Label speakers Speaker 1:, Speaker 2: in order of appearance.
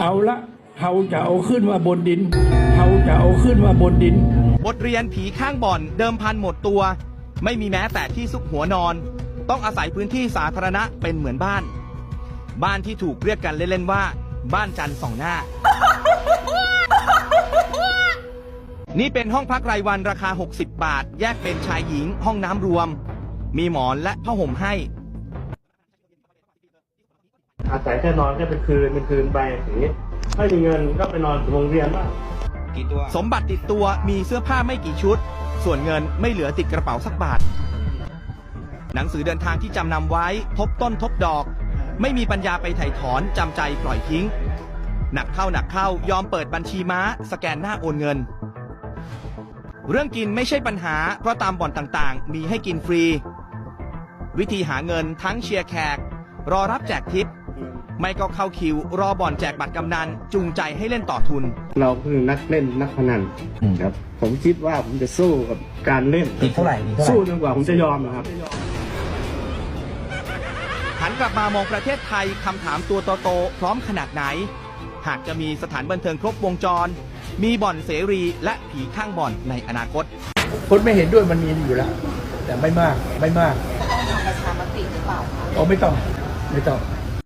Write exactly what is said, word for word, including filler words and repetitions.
Speaker 1: เอาละเขาจะเอาขึ้นมาบนดินเขาจะเอาขึ้นมาบนดิน
Speaker 2: บทเรียนผีข้างบ่อนเดิมพันหมดตัวไม่มีแม้แต่ที่ซุกหัวนอนต้องอาศัยพื้นที่สาธารณะเป็นเหมือนบ้านบ้านที่ถูกเรียกกันเล่นๆว่าบ้านจันทร์สองหน้า นี่เป็นห้องพักรายวันราคาหกสิบบาทแยกเป็นชายหญิงห้องน้ำรวมมีหมอนและผ้าห่มให้
Speaker 3: อาศัยแค่นอนแค่เป็นคืนเป็นคืนไปอย่างนี้ไม่มีเงินก็ไปนอนโรงเรียนบ้าง
Speaker 2: สมบัติติดตัวมีเสื้อผ้าไม่กี่ชุดส่วนเงินไม่เหลือติดกระเป๋าสักบาทหนังสือเดินทางที่จำนำไว้ทบต้นทบดอกไม่มีปัญญาไปไถ่ถอนจำใจปล่อยทิ้งหนักเข้าหนักเข้ายอมเปิดบัญชีม้าสแกนหน้าโอนเงินเรื่องกินไม่ใช่ปัญหาเพราะตามบ่อนต่างๆมีให้กินฟรีวิธีหาเงินทั้งเชียร์แขกรอรับแจกทิปไม่ก็เข้าคิวรอบ่อนแจกบัตรกำนันจูงใจให้เล่นต่อทุน
Speaker 3: เราคือนักเล่นนักพนันครับผมคิดว่าผมจะสู้กับการเล่น
Speaker 4: ติดเท่าไหร่
Speaker 3: สู้จนกว่าผมจะยอมนะครับ
Speaker 2: หันกลับมามองประเทศไทยคำถามตัวโตๆพร้อมขนาดไหนหากจะมีสถานบันเทิงครบวงจรมีบ่อนเสรีและผีข้างบ่อนในอนาคต
Speaker 4: คนไม่เห็นด้วยมันมีอยู่แล้วแต่ไม่มากไม่มาก
Speaker 5: ต้องทำประชามติหรือเปล่าคะ
Speaker 4: อ๋อไม่ต้องไม่ต้อง